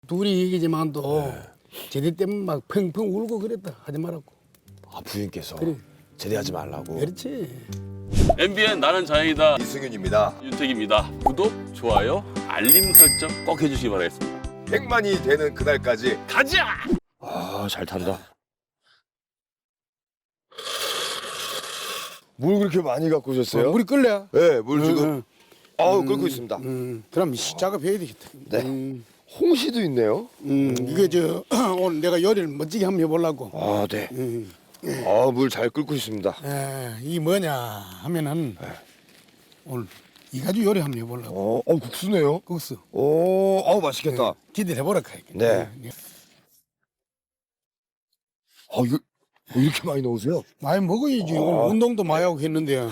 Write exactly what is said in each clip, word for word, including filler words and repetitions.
둘이 얘기지만도 제대 때문에 막 펑펑 울고 그랬다. 하지 말라고. 아 부인께서 그래. 제대하지 말라고. 그렇지. 엠비엔 나는 자연이다. 이승윤입니다. 윤택입니다. 구독, 좋아요, 알림 설정 꼭 해주시기 바라겠습니다. 백만이 되는 그날까지. 가자! 아 잘 탄다. 물 그렇게 많이 갖고 오셨어요? 어, 물이 끓래? 네, 물 지금 응, 아우 끓고 있습니다. 음, 그럼 시 작업해야 되겠다. 네. 음, 홍시도 있네요. 음, 이게 저 오늘 내가 요리를 멋지게 한번 해보려고. 아 네. 음, 아 물 잘 끓고 있습니다. 에, 이 뭐냐 하면은 오늘 이 가지 요리 한번 해보려고. 어, 어 국수네요. 국수. 오, 어 맛있겠다. 기대를 해보라 카이. 네. 아 이거 왜 이렇게 많이 넣으세요? 많이 먹어야지. 아. 오늘 운동도 많이 하고 했는데.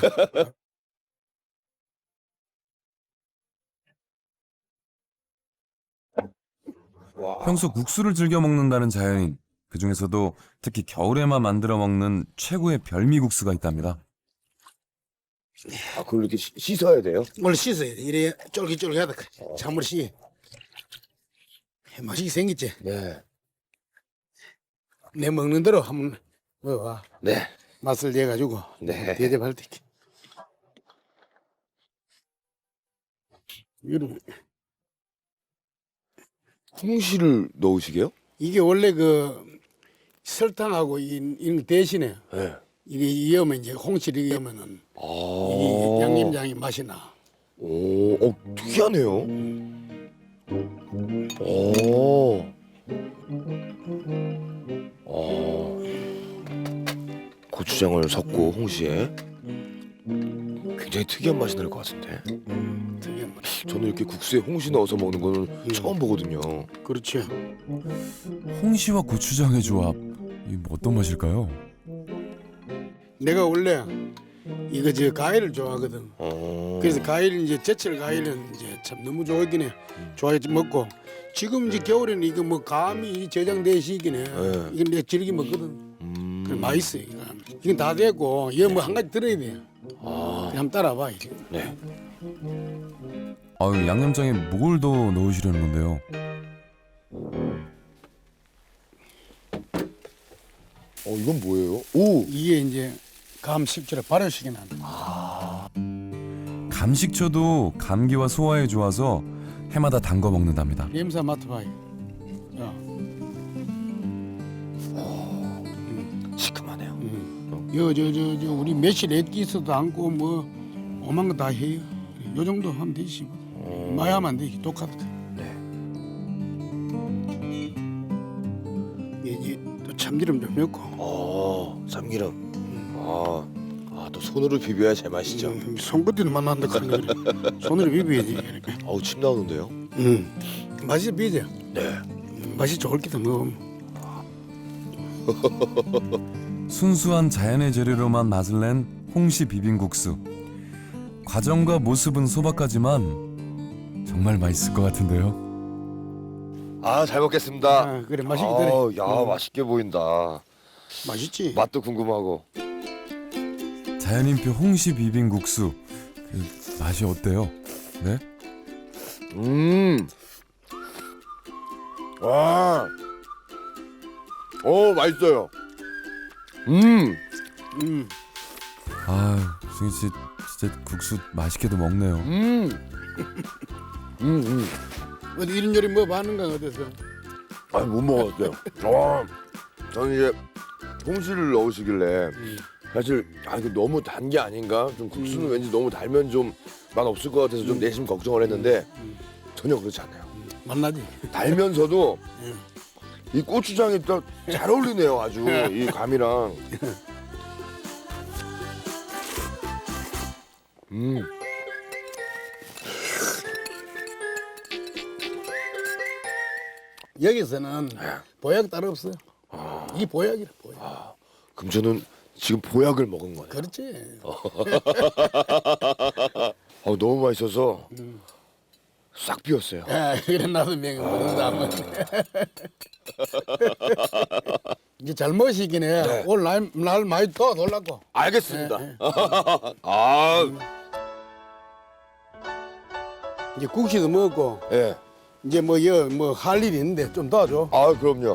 와. 평소 국수를 즐겨 먹는다는 자연인. 그중에서도 특히 겨울에만 만들어 먹는 최고의 별미국수가 있답니다. 아 그걸 이렇게 씻- 씻어야 돼요? 원래 씻어야 돼. 이래 쫄깃쫄깃하다. 찬물 씻. 맛있게 생겼지. 네. 내 먹는 대로 한번 먹어봐. 네. 맛을 내가지고 네. 대접할 때. 이런 홍시를 넣으시게요? 이게 원래 그 설탕하고 이, 이 대신에 네. 이게 이으면 이제 홍시를 이으면은 아. 이 양념장이 맛이 나. 오, 어 특이하네요. 오. 어. 고추장을 섞고 홍시에 굉장히 특이한 맛이 날 것 같은데. 특이한 맛. 저는 이렇게 국수에 홍시 넣어서 먹는 거는 처음 보거든요. 그렇죠. 홍시와 고추장의 조합. 이 뭐 어떤 맛일까요? 내가 원래 이거 저 과일을 좋아하거든. 어. 그래서 과일 이제 제철 과일은 이제 참 너무 좋아하긴 해. 좋아해 먹고 지금 이제 겨울에는 이거 뭐 감이 저장돼 시기네. 네. 이건 내가 즐겨 먹거든. 음. 그래 맛있어 이거. 이건 다 되고 이거 뭐 한 가지 들어야 돼. 아. 한번 따라봐. 이거. 네. 아유, 양념장에 뭘 더 넣으시려는 건데요? 어 이건 뭐예요? 오. 이게 이제 감 식초를 발효시켜 놨다. 감식초도 감기와 소화에 좋아서 해마다 담궈 먹는답니다. 냄새 맡아봐. 야, 시큼하네요. 음. 여저저 저 우리 매실 애기 있어도 않고 뭐 오만 거 다 해요. 요 정도 하면 되지. 뭐. 많이 하면 안 돼. 똑같아. 네. 이제 또 참기름 좀 넣고. 어, 참기름. 아, 아, 또 손으로 비벼야 제맛이죠. 음, 손끝으로 만난다 하는 거래. 손으로 비벼야지. 이렇게. 어우, 침 나오는데요. 음. 맛이 비죠. 네. 음, 맛이 좋을 기도 먹으면. 순수한 자연의 재료로만 맛을 낸 홍시 비빔국수. 과정과 모습은 소박하지만 정말 맛있을 것 같은데요. 아, 잘 먹겠습니다. 아, 그래 맛있게 되네. 아우, 야, 음, 맛있게 보인다. 맛있지. 맛도 궁금하고. 자연인표 홍시 비빔국수. 그 맛이 어때요? 네? 음. 와. 오, 맛있어요. 음. 음. 아, 승희 씨 진짜 국수 맛있게도 먹네요. 음. 음, 음. 어디 이런 요리 뭐 하는가 어디서? 아, 못 먹었어요. 어. 저는 이제 홍시를 넣으시길래 음. 사실 아 이거 너무 단 게 아닌가? 좀 국수는 음. 왠지 너무 달면 좀 맛 없을 것 같아서 좀 음. 내심 걱정을 했는데 음. 전혀 그렇지 않아요. 만나지. 달면서도 음. 이 고추장이 또 잘 어울리네요. 아주 이 감이랑. 음. 여기서는 보약 따로 없어. 이 보약이라 보약. 그럼 저는 지금 보약을 먹은 거네요. 그렇지. 어, 너무 맛있어서 싹 비웠어요. 아, 그래 나도 명예 모른다 한번. 이제 잘 먹으시긴 해. 네. 오늘 날, 날 많이 더 놀랐고. 알겠습니다. 네, 아, 이제 국시도 먹었고 예. 이제 뭐여뭐할 일이 있는데 좀 도와줘. 아, 그럼요.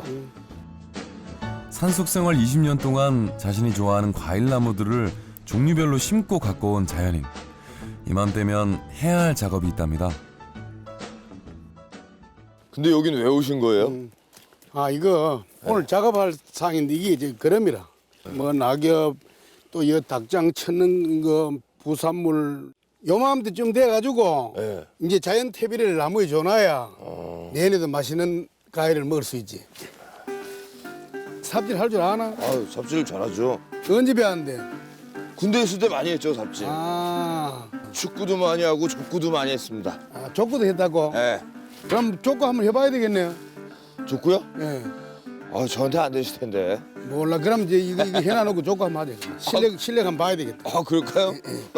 산속 생활 이십 년 동안 자신이 좋아하는 과일 나무들을 종류별로 심고 갖고 온 자연인. 이맘때면 해야 할 작업이 있답니다. 근데 여기는 왜 오신 거예요? 음. 아 이거 오늘 작업할 상인데 이게 이제 그럼이라. 뭐 낙엽 또 여 닭장 쳐는 거 부산물 요맘때쯤 돼가지고 네. 이제 자연 퇴비를 나무에 줘놔야 어. 내년에도 맛있는 과일을 먹을 수 있지. 삽질 할 줄 아나? 아, 삽질 잘하죠. 언제 배웠는데? 군대 있을 때 많이 했죠, 삽질. 아, 축구도 많이 하고 족구도 많이 했습니다. 아 족구도 했다고? 예. 그럼 족구 한번 해봐야 되겠네요. 족구요? 예. 아, 저한테 안 되실 텐데. 몰라. 그럼 이제 이거, 이거 해놔놓고 족구 한번 하자. 실력 실력 한번 봐야 되겠다. 아, 그럴까요?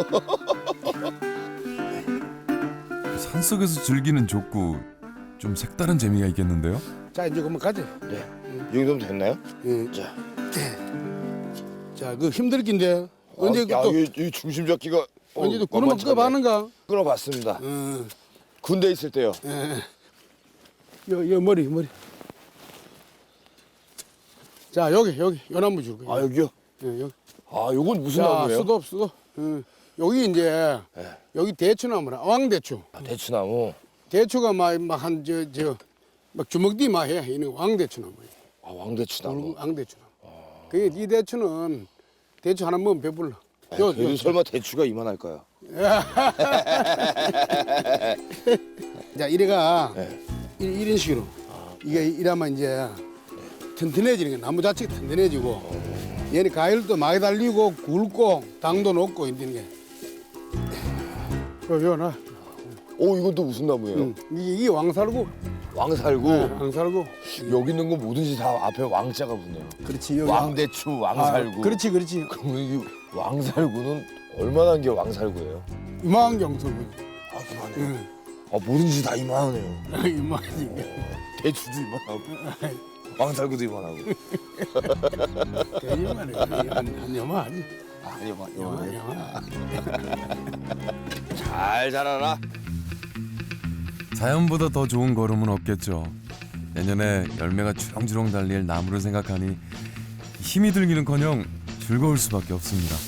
산속에서 즐기는 족구 좀 색다른 재미가 있겠는데요? 자 이제 그만 가자. 네. 이 정도면 됐나요? 예. 자. 자, 그 힘들 긴데 언제 아, 야, 또 이, 이 중심 잡기가 어, 언제 또 구름 만만치 않네. 끄봤는가? 끌어봤습니다. 어, 군대 있을 때요. 예. 여, 여 머리 머리. 자 여기 여기 요 나무 줄 거야. 아, 여기요? 예, 여기. 아, 요건 무슨 자 나무예요? 수도 수도. 예. 여기 이제 예. 여기 대추나무라 왕대추. 아, 대추나무. 대추가 막한 저 저 막 주먹뒤 막해 이는 왕대추나무야. 아, 왕대추나무. 왕대추나무. 그게 이 대추는 대추 하나 먹으면 배불러. 아, 요, 그래도 요, 설마 대추가 이만할까요? 자 이래가 네. 이, 이런 식으로 이게 이러면 이제 튼튼해지는 게 나무 자체가 튼튼해지고 얘는 과일도 많이 달리고 굵고 당도 높고 이런 게. 그요 나. 오, 이건 또 무슨 나무예요? 응. 이게, 이게 왕살구. 왕살구. 네, 왕살구. 여기 있는 건 뭐든지 다 앞에 왕자가 붙네요. 그렇지. 여기 왕대추, 아, 왕살구. 그렇지 그렇지. 그러면 이 왕살구는 얼마나 한 게 왕살구예요? 이만한 경설구. 아, 이만해요. 응. 아, 뭐든지 다 이만하네요. 이만하지. 대추도 이만하고 왕살구도 이만하고. 이만해. 한 여만하지. 아, 이만, 여만 이만해. 여만. 잘 자라라. 자연보다 더 좋은 걸음은 없겠죠. 내년에 열매가 주렁주렁 달릴 나무를 생각하니 힘이 들기는커녕 즐거울 수밖에 없습니다.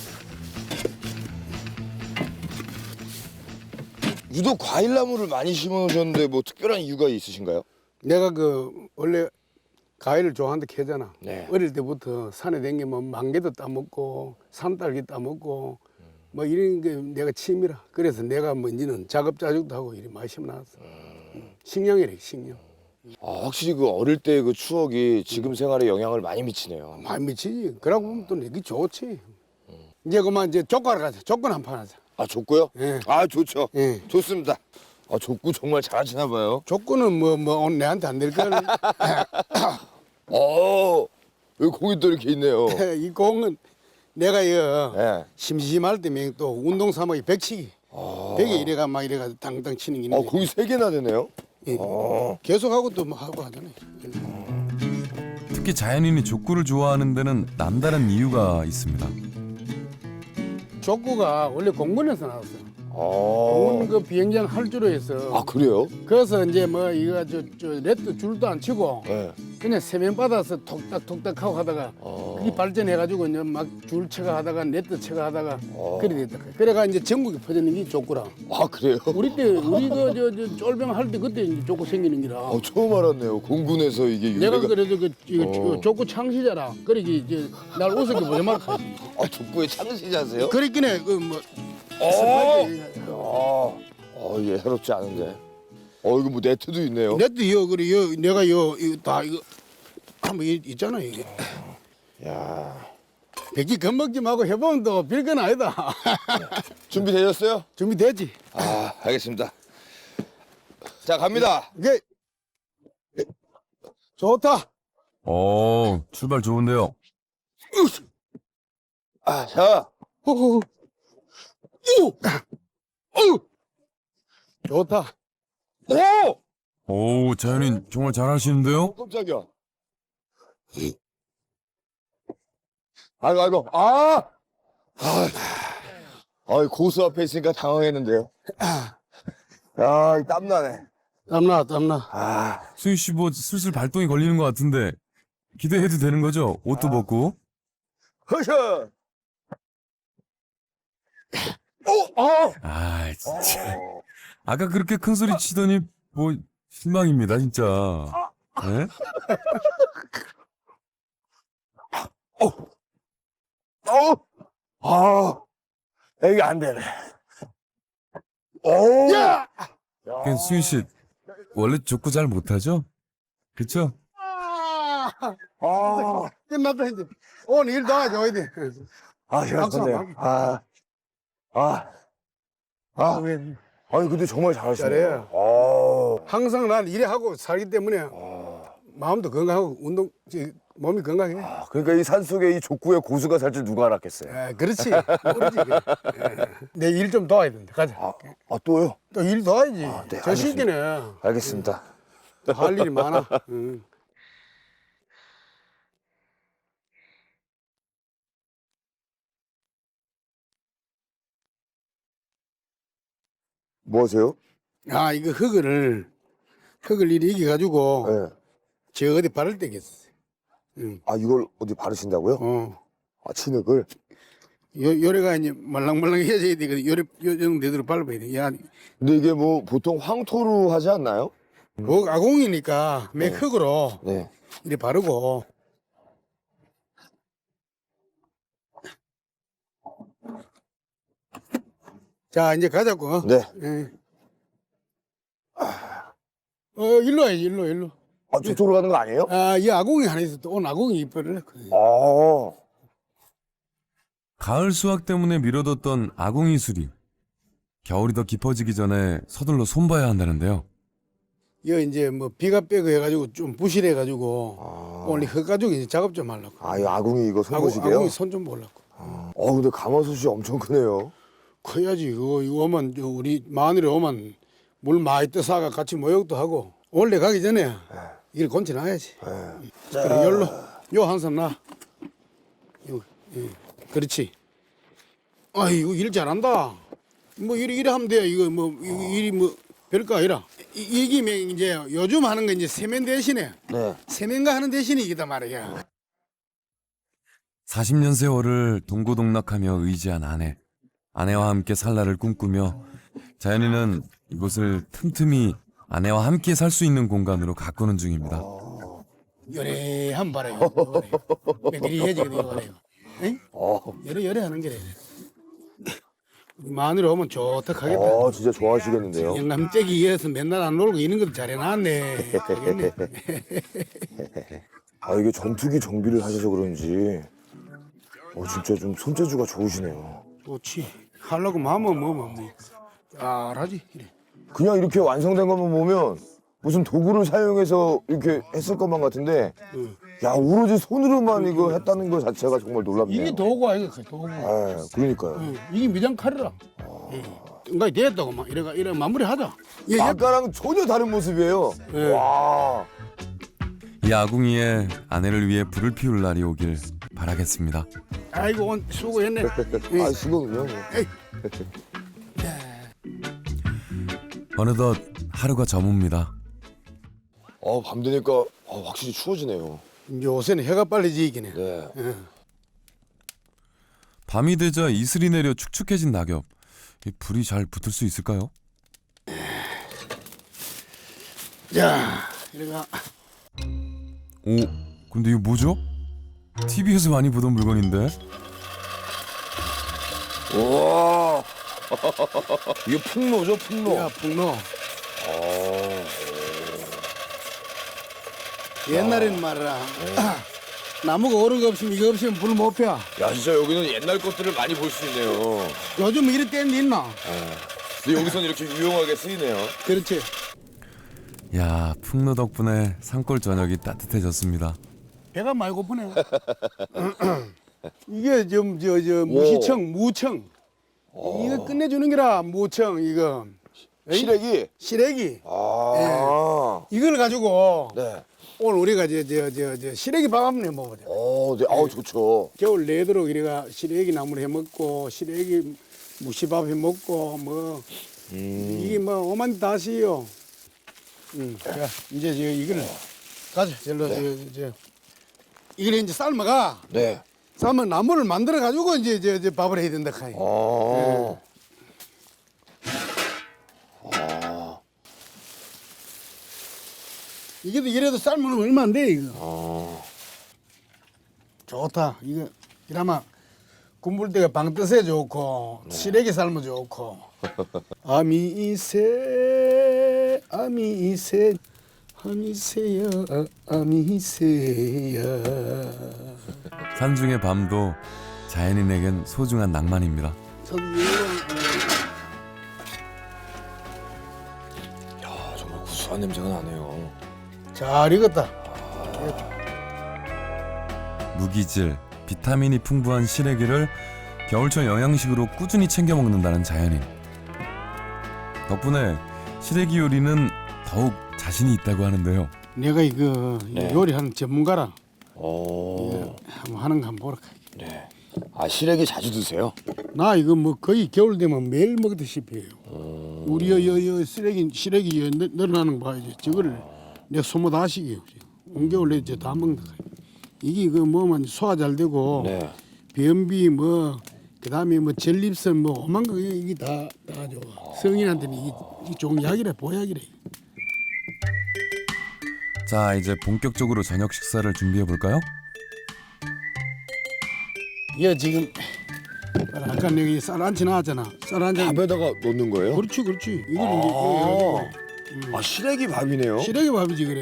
유독 과일나무를 많이 심어놓으셨는데 뭐 특별한 이유가 있으신가요? 내가 그 원래 과일을 좋아한다 캐잖아. 네. 어릴 때부터 산에 다니면 망개도 따먹고 산딸기 따먹고 뭐 이런 게 내가 취미라. 그래서 내가 뭔지는 작업자죽도 하고 이리 많이 심어놨어. 음. 식량이래 식량. 아, 확실히 그 어릴 때 그 추억이 지금 생활에 영향을 많이 미치네요. 많이 미치지. 그러고 보면 또 이게 좋지. 이제 그만 이제 족구하러 가자. 족구 한판 하자. 아, 족구요? 예. 아, 좋죠. 예. 좋습니다. 아, 족구 정말 잘하시나 봐요. 족구는 뭐 뭐 오늘 내한테 안 될 걸. 어, 여기 공이 또 이렇게 있네요. 이 공은 내가 이거 예. 심심할 때면 또 운동 삼아기 백치기. 백에 이래가 막 이래가 당당 치는 게 아, 있는데 공이 세 개나 되네요. 예. 어. 계속 하고 또 뭐 하고 하잖아요. 특히 자연인이 족구를 좋아하는 데는 남다른 이유가 있습니다. 족구가 원래 공군에서 나왔어요. 아, 공군 그 비행장 할주로 해서. 아, 그래요? 그래서 이제 뭐 이거 저, 저 레트 줄도 안 치고 네. 그냥 세면 받아서 톡딱톡딱 하고 하다가 어. 그게 발전해가지고 이제 막 줄 쳐가 하다가 네트 쳐가 하다가 어. 그래 됐다. 그래가 이제 전국에 퍼지는 게 족구라. 아, 그래요? 우리 때 우리 그 저 저 쫄병 할 때 그때 이제 족구 생기는 기라. 어, 처음 알았네요. 공군에서 이게 내가 유래가. 그래도 그 이거 어. 족구 창시자라. 그러기 이제 날 우습게 보지 말까. 아, 족구의 창시자세요? 그랬긴 해. 그뭐 어. 아, 어, 예, 해롭지 않은데. 어, 이거 뭐 네트도 있네요. 내도 여 그래 여 내가 여 이거 다 이거 한번 이- 있잖아 이게. 야, 백기 겁먹지 말고 해보면 또 별건 아니다. 준비되셨어요? 준비됐지? 아, 알겠습니다. 자, 갑니다. 이게 좋다. 오, 출발 좋은데요. 아, 자. 호호. 오. 오. 좋다. 오! 오, 자연인 정말 잘하시는데요. 어, 깜짝이야. 아이고, 아이고. 아! 아, 아, 고수 앞에 있으니까 당황했는데요. 야, 이 땀나네. 땀나 땀나. 아, 수희 씨 뭐 슬슬 발동이 걸리는 것 같은데 기대해도 되는 거죠? 옷도 벗고. 허셔. 어, 어. 아 진짜. 아까 그렇게 큰 소리 치더니 뭐 실망입니다 진짜. 네? 어, 아, 이게 안 되네. 오, 야! 그 수희 씨 원래 족구 잘 못하죠? 그쵸? 아, 아, 끝났다 이제. 오늘 일 도와줘야 돼. 아, 시원하네요. 아, 아, 아, 아니 근데 정말 잘하시네요. 잘해요. 아, 항상 난 일에 하고 살기 때문에 아, 마음도 건강하고 운동 저, 몸이 건강해. 아, 그러니까 이 산속에 이 족구의 고수가 살 줄 누가 알았겠어요. 아, 그렇지. 모르지. 내 일 좀 도와야 된다. 가자. 아, 아 또요? 또 일 도와야지. 아, 네, 저 시기는 알겠습니다. 할 일이 많아. 응. 뭐 하세요? 아, 이거 흙을 흙을 이리 이겨가지고 네. 저 어디 바를 때겠어. 응. 아, 이걸 어디 바르신다고요? 어. 아, 진흙을? 요, 요래가 이제 말랑말랑해져야 되거든. 요래, 요 정도 되도록 밟아야 돼. 야, 근데 이게 뭐 보통 황토로 하지 않나요? 뭐 아공이니까 맥 흙으로 네. 이리 바르고. 자, 이제 가자고. 네. 예. 어, 일로 와야지, 일로, 일로. 아, 저쪽으로 가는 거 아니에요? 아, 이 아공이 하나 있어. 또 오늘 아공이 이뻐를. 아, 가을 수확 때문에 미뤄뒀던 아궁이 수리. 겨울이 더 깊어지기 전에 서둘러 손봐야 한다는데요. 이거 이제 뭐 비가 빼고 해가지고 좀 부실해가지고 아, 오늘 흙 가지고 이제 작업 좀 하려고. 아, 이 아궁이 이거 아궁, 손보시게요? 아궁이 손 좀 보려고. 어, 근데 가마솥이 엄청 크네요. 커야지. 그거 이거 오면 저 우리 마늘이 오면 물 많이 떠사가 같이 모욕도 하고 원래 가기 전에 이걸 건져놔야지. 그래 열로 요 한 손 놔. 요, 예. 그렇지. 아이고 일 잘한다. 뭐 이리 이리 하면 돼. 이거 뭐 이거 일이 뭐 별거 아니라. 이, 이게 뭐 이제 요즘 하는 거 이제 세면 대신에 네. 세면가 하는 대신에 이기다 말이야. 사십 년 세월을 동고동락하며 의지한 아내. 아내와 함께 살 날을 꿈꾸며 자연이는 이곳을 틈틈이 아내와 함께 살 수 있는 공간으로 가꾸는 중입니다. 요래 한 봐라요. 이리 해지 이거래요. 응? 어, 요래 요래 하는 게래. 마늘 오면 좋다 하겠다. 아, 진짜 좋아하시겠는데요? 영감댁이 이어서 맨날 안 놀고 이런 것도 잘해놨네. 알겠네. 아, 이게 전투기 정비를 하셔서 그런지, 어, 진짜 좀 손재주가 좋으시네요. 좋지. 하려고 마음은 뭐뭐 뭐. 잘하지. 이래. 그냥 이렇게 완성된 것만 보면 무슨 도구를 사용해서 이렇게 했을 것만 같은데, 응. 야, 오로지 손으로만 이거 했다는 것 자체가 정말 놀랍네요. 이게 도구 아이가 도구. 아, 그러니까요. 응. 이게 미장 칼이라. 응. 응가 됐다고 막 이래가 이래 마무리하자. 예, 예. 아까랑 전혀 다른 모습이에요. 네. 와. 이 아궁이에 아내를 위해 불을 피울 날이 오길 바라겠습니다. 아이고 온 수고했네. 예. 아, 수고군요. 에이. 어느덧 하루가 저뭅니다. 어, 밤 되니까 어, 확실히 추워지네요. 이제 요새는 해가 빨리 지기네. 네. 예. 밤이 되자 이슬이 내려 축축해진 낙엽. 이 불이 잘 붙을 수 있을까요? 자, 이래가 오, 근데 이거 뭐죠? 티비에서 많이 보던 물건인데? 와. 이게 풍로죠, 풍로. 야 풍로. 아. 옛날에는 말이야. 나무가 오른 거 없으면 이거 없으면 불 못 펴. 야, 진짜 여기는 옛날 것들을 많이 볼 수 있네요. 요즘 이럴 때는 있나? 근데 여기서는 이렇게 유용하게 쓰이네요. 그렇지. 야, 풍로 덕분에 산골 저녁이 따뜻해졌습니다. 배가 많이 고프네. 이게 좀 저 저 무시청 무청. 이거 끝내주는 게라 무청 이거. 에이? 시래기. 시래기. 아. 이걸 가지고 네. 오늘 우리가 저 저 저 저 시래기 밥 한번 해 먹어보자. 어, 네. 아우, 좋죠. 겨울 내도록 이래가 시래기 나물 해 먹고 시래기 무시밥 해 먹고 뭐 음. 이게 뭐 오만 다시요. 응. 자, 이제 저 이거를 가자. 절로 저, 저 이걸 이제 삶아가. 네. 삶은 나물을 만들어 가지고 이제 저, 저 밥을 해야 된다 카이. 어. 이게도 이래도 삶으면 얼마 안 돼 이거. 어. 좋다. 이거 이나마 군불 때가 방뜻에 좋고 시래기 삶아 좋고. 아미새 아미새 아미새야 아미새야. 산중의 밤도 자연인에겐 소중한 낭만입니다. 야, 정말 구수한 냄새가 나네요. 잘 익었다. 무기질, 비타민이 풍부한 시래기를 겨울철 영양식으로 꾸준히 챙겨 먹는다는 자연인. 덕분에 시래기 요리는 더욱 자신이 있다고 하는데요. 내가 이거 네. 요리하는 전문가라. 어. 한번 하는 거 한번 보라. 네. 아, 시래기 자주 드세요? 나 이거 뭐 거의 겨울 되면 매일 먹듯이 해요. 어. 우리 여, 여, 여 쓰레기 시래기 여, 늘- 늘어나는 거 봐야지. 저거를 내가 소모 다 시켜요. 온 겨울 내다 먹는다. 이게 그 뭐만 소화 잘 되고 네. 변비 뭐 그다음에 뭐 전립선 뭐 오만 거 이게 다다 좋아. 성인한테는 이게, 이게 좋은 약이래 보약이래. 자, 이제 본격적으로 저녁 식사를 준비해 볼까요? 얘 지금 아까 내가 쌀 안치 나왔잖아. 쌀 안치. 밥에다가 넣는 거예요? 그렇지 그렇지. 이걸 이제 이거 해가지고 아, 시래기 밥이네요. 시래기 밥이지 그래.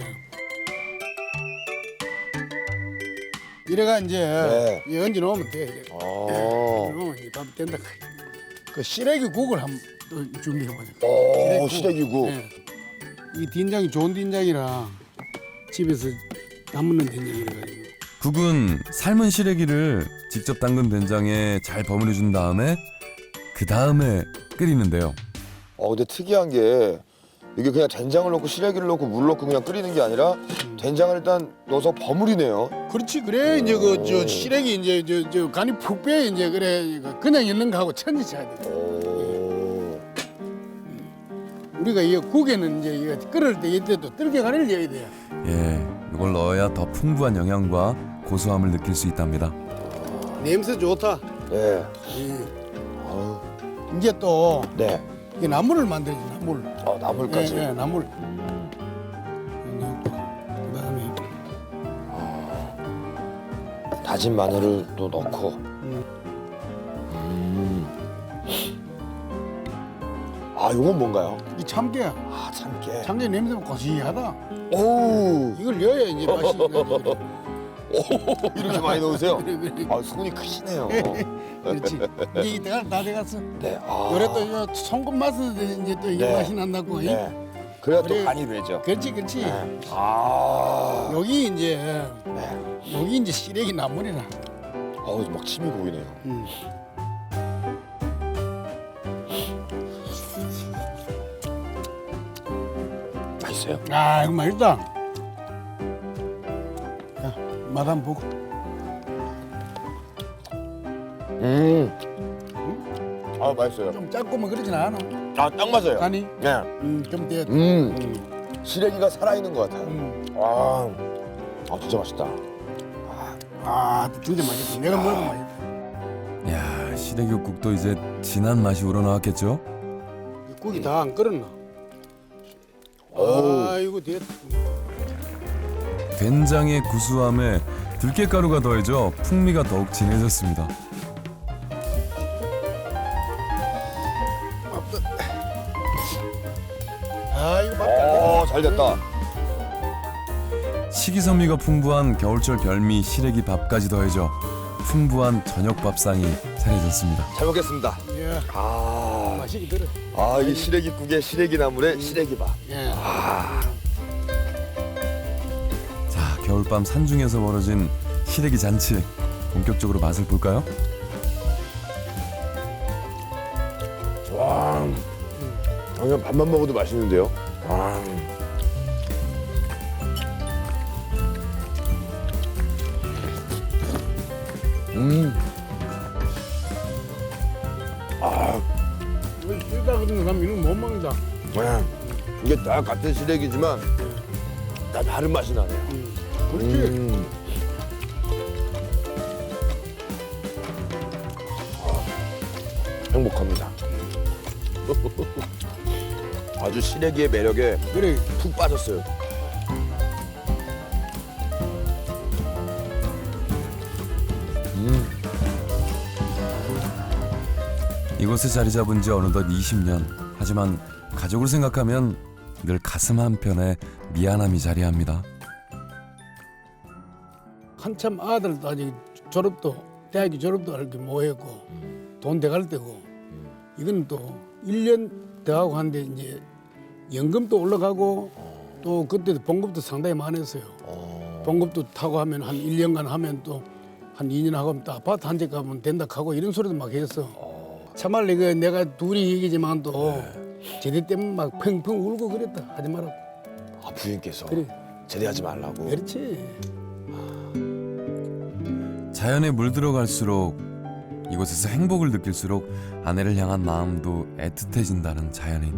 이래가 이제 네. 이 얹어 놓으면 돼. 이래. 아. 놓으면 이제 밥이 된다. 그 시래기 국을 한번 또 준비해 보자. 오, 시래기국. 네. 이 된장이 좋은 된장이라 집에서 담는 된장이라 가지고. 국은 삶은 시래기를 직접 담근 된장에 잘 버무려 준 다음에 그 다음에 끓이는데요. 어, 근데 특이한 게 이게 그냥 된장을 넣고 시래기를 넣고 물 넣고 그냥 끓이는 게 아니라 된장을 일단 넣어서 버무리네요. 그렇지 그래 이제 그 저 시래기 이제 저, 저 간이 푹 빼 이제 그래 이거 그냥 있는 거하고 천지 차야 돼. 오. 우리가 이 국에는 이제 이거 끓을 때 이때도 들깨 간을 넣어야 돼. 예, 이걸 넣어야 더 풍부한 영양과 고소함을 느낄 수 있답니다. 냄새 좋다. 네. 예. 아유. 이제 또 네. 이게 나물을 만들지 나물. 아, 나물까지. 예, 예, 나물. 그다음에 다진 마늘을 또 넣고. 음. 음. 아, 이건 뭔가요? 이 참깨야. 아, 참깨. 참깨 냄새가 고시하다. 오. 이걸 넣어야 이제 맛이 나지. 오, 이렇게 많이 넣으세요? 그래 그래. 아, 손이 크시네요. 그렇지. 이제 이때가 다 돼갔어. 네. 아. 요래 또 이거 송곳 맛은 이제 또 이게 네. 맛이 난다고. 이? 네. 그래야 또 그래. 간이 배죠. 그렇지 그렇지. 네. 아. 여기 이제 네. 여기 이제 시래기 나물이라. 어우, 막 침이 고이네요. 음. 맛있어요? 아 이거 맛있다. 야, 맛 한번 보고. 음. 아, 맛있어요. 좀 짧고 뭐 그러진 않아. 아, 딱 맞아요. 아니, 네. 음, 좀 돼. 음. 음, 시래기가 살아있는 것 같아요. 음. 아. 아, 진짜 맛있다. 아, 진짜 맛있다. 내가 먹어도 맛있다. 야, 시래기국도 이제 진한 맛이 우러나왔겠죠? 이 국이 다 안 끓었나? 오. 아, 이거 됐다. 된장의 구수함에 들깨가루가 더해져 풍미가 더욱 진해졌습니다. 아, 이거 맛다. 오, 잘 됐다. 식이섬유가 풍부한 겨울철 별미 시래기 밥까지 더해져 풍부한 저녁 밥상이 차려졌습니다. 잘 먹겠습니다. 예, 아. 맛이 들어. 아, 이 시래기국에 시래기 나물에 시래기밥. 예. 자, 겨울밤 산중에서 벌어진 시래기 잔치 본격적으로 맛을 볼까요? 와. 그냥 밥만 먹어도 맛있는데요. 아. 음. 아. 이거 쓰다 그러는 사람 이거 못 먹는다. 네. 이게 이게 다 같은 시래기지만 다 다른 맛이 나네요. 음. 그렇지. 음. 아, 행복합니다. 아주 시래기의 매력에 그래. 푹 빠졌어요. 음. 이곳에 자리 잡은 지 어느덧 이십 년. 하지만 가족을 생각하면 늘 가슴 한편에 미안함이 자리합니다. 한참 아들도 아직 졸업도 대학교 졸업도 할게 뭐했고 돈 돼갈 때고 이건 또 일 년 더 하고 한데 이제 연금도 올라가고 또 그때도 봉급도 상당히 많았어요. 봉급도 타고 하면 한 일 년간 하면 또 한 이 년 하고 하면 또 아파트 한 채 가면 된다 하고 이런 소리도 막 했어. 참말로 이거 내가 둘이 얘기지만 또 제대 때문에 막 펑펑 울고 그랬다. 하지 말라고. 아, 부인께서 그래. 제대하지 말라고. 그렇지. 자연에 물들어갈수록 이곳에서 행복을 느낄수록 아내를 향한 마음도 애틋해진다는 자연인.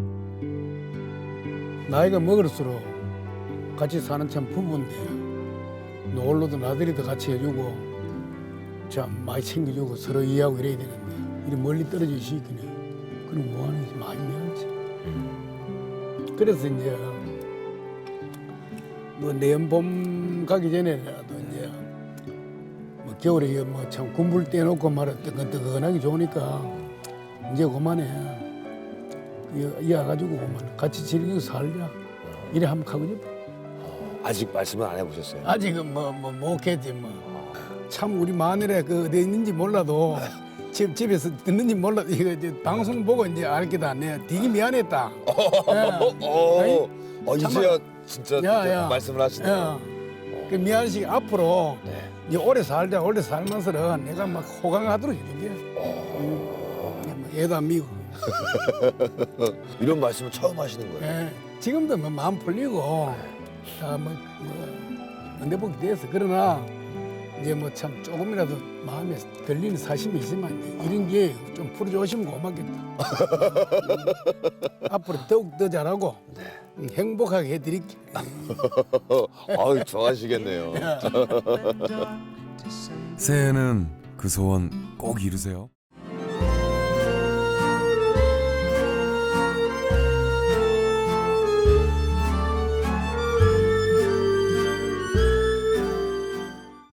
나이가 먹을수록 같이 사는 참 부부인데 노을로도 나들이도 같이 해주고 참 많이 챙겨주고 서로 이해하고 이래야 되는데 이리 멀리 떨어져 있으니까 그럼 뭐하는 게 많이 미안하지. 그래서 이제 뭐 내년 봄 가기 전에라도 이제 뭐 겨울에 뭐 참 군불 떼놓고 말아 뜨끈뜨끈하게 좋으니까 이제 그만해. 이 와가지고 그만 같이 즐기고 살자. 이래 한번 가고 싶어. 아직 말씀은 안 해보셨어요? 아직은 뭐 뭐 못했지 뭐. 참 우리 마누라 그 어디 있는지 몰라도 집 집에서 듣는지 몰라도 이거 이제 방송 보고 이제 알겠다. 내가 되게 미안했다. 어, 아니, 어, 이제야 진짜, 야, 진짜 야. 말씀을 하시네요. 야, 그 미안식 앞으로 네. 이제 오래 살자. 오래 살면서는 내가 막 호강하도록 해줄게. 음, 뭐 애도 안 미고. 이런 말씀을 처음 하시는 거예요. 예, 지금도 뭐 마음 풀리고 다뭐 뭐, 은대복이 됐어. 그러나 이제 뭐 참 조금이라도 마음에 들리는 사심이 있지만 이제 이런 게 좀 풀어주시면 고맙겠다. 앞으로 더욱 더 잘하고 음, 행복하게 해드릴게. 아유, 좋아하시겠네요. 새해에는 그 소원 꼭 이루세요.